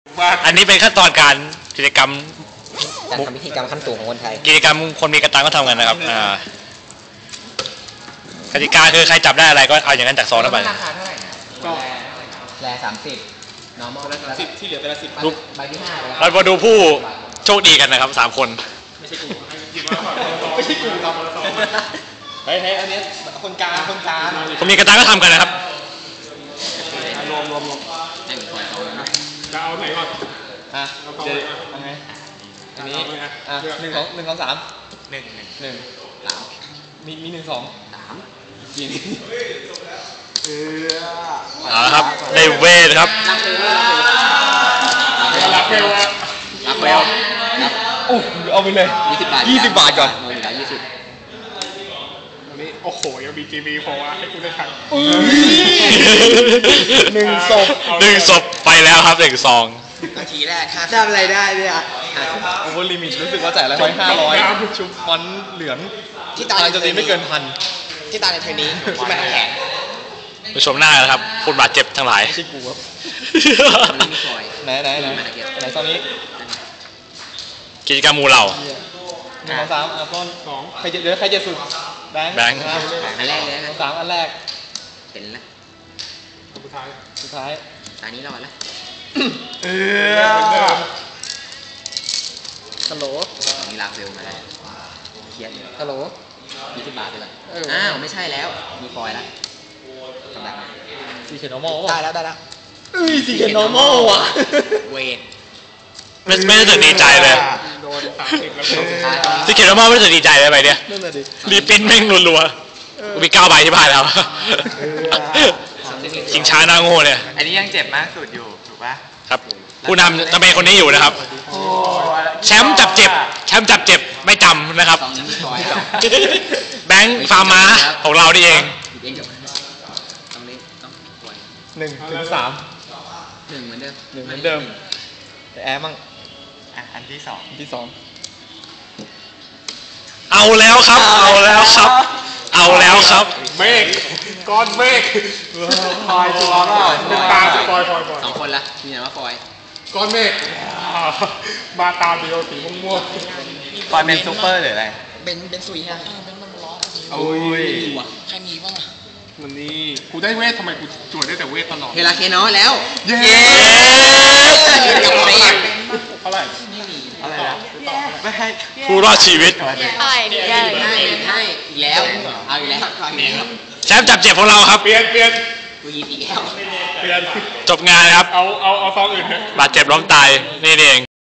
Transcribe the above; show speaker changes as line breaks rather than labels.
อันนี้เป็นขั้นตอนการกิจกรรม
การทำพิธีกรรมขั้นสูงของคนไทย
กิจกรรมคนมีกระตังก็ทำกันนะครับกติกาคือใครจับได้อะไรก็เอาอย่างนั้นจากซองนั้นไป
ราคาเท่าไหร่ก็แร่30 normal
10ที่เหลือแต่ละ10
ใบที่5ไปแล้ว
เรามาดูผู้โชคดีกันนะครับ3 คน
ไม่ใช่กูไม่ใช่กูทำมา2เฮ้ยอันนี้คนกลาง
คนมีกระตังก็ทำกันนะครับ
รวมจะเอาไหนก่อน
เดี๋ยวไงอันนี้1 2 3 1 มี1 2 3ยิง
เอาละครับได้เวทครับ
รักเวล
โอ้เอาไปเลย20 บาทก่อน
อันนี้โอ้โหยัง BGB พอว่าให้กูได้ทัน
1 ศพไปแล้วครับ1 ซอง
นาทีแรกทำอะไรได้เนี่ยโอเวอร์ลิมิตรู้สึกว่าจ่ายละ500ชุบฟอนเหลืองที่ตายจะตีไม่เกิน1,000ที่ตายในเทอร์นี้ที่ไม่ต้องแข่ง
ไปชมหน้าครับคนบาดเจ็บทั้งหลาย
ไม่ใช่กูครับไหนตอนนี้
กิจกรรมมูเรา
1 2 3ต้น2ใครจะสุดแบงค์อันแรกเลย3อันแรกเป็นละสุดท้ายตานี้รอดแล้วฮัลโหลนี่ลากเร็วมาแล้วเครียดเลยฮัลโหล20 บาทไปเลยอ้าวไม่ใช่แล้วมีฟอยล์แล้วทำแบบซีเคนอร์มอลได้แล้วซีเคนอร์มอลว่ะเวท
ไม่รู้สึกดีใจเลย
โดน30แล้ว
ซีเคนอร์มอลไม่รู้สึกดีใจเลยไปเนี่ยรีปิ้นแม่งรัวๆมี9 ใบที่บ้านแล้วชิงช้าหน้าโง่เนี่ย
อันนี้ยังเจ็บมากสุดอยู่ถูกป่ะ
ครับผู้นำจะเป็นคนนี้อยู่นะครับแชมป์จับเจ็บไม่จำนะครับแบงค์ฟาร์มาของเรานี่เอง1 ถึง 3
1เหมือนเดิมแต่แอร์มั่งอันที่2
เอาแล้วครับ
เมฆก้อนเมฆพลอยตัวก็เป็นตาฟอย
2 คนละมีอะไรว่าฟอย
ก้อนเมฆมาตาเดียวสีม่วง
ฟอยเป็นซูเปอร์หรืออะไร
เป็นสุยฮะเป็นมันร้อน
โอ้ย
ใครมีบ้าง
วันนี้กูได้เวททำไมกูจวดได้แต่เวทตลอด
เฮลาเคนอแล้ว
เย้เท่าไหร่
อะไรนะไม่ให้
ผู้รอดชีวิต
ให้อีกแล้วเอาอีกแล้ว
แชมป์จับเจ็บของเราครับ
เปลี่ยน
กูยิงอีกแล้ว
เปลี่ยน
จบงานครับ
เอาซองอื่น
บาดเจ็บล้มตายนี่เอง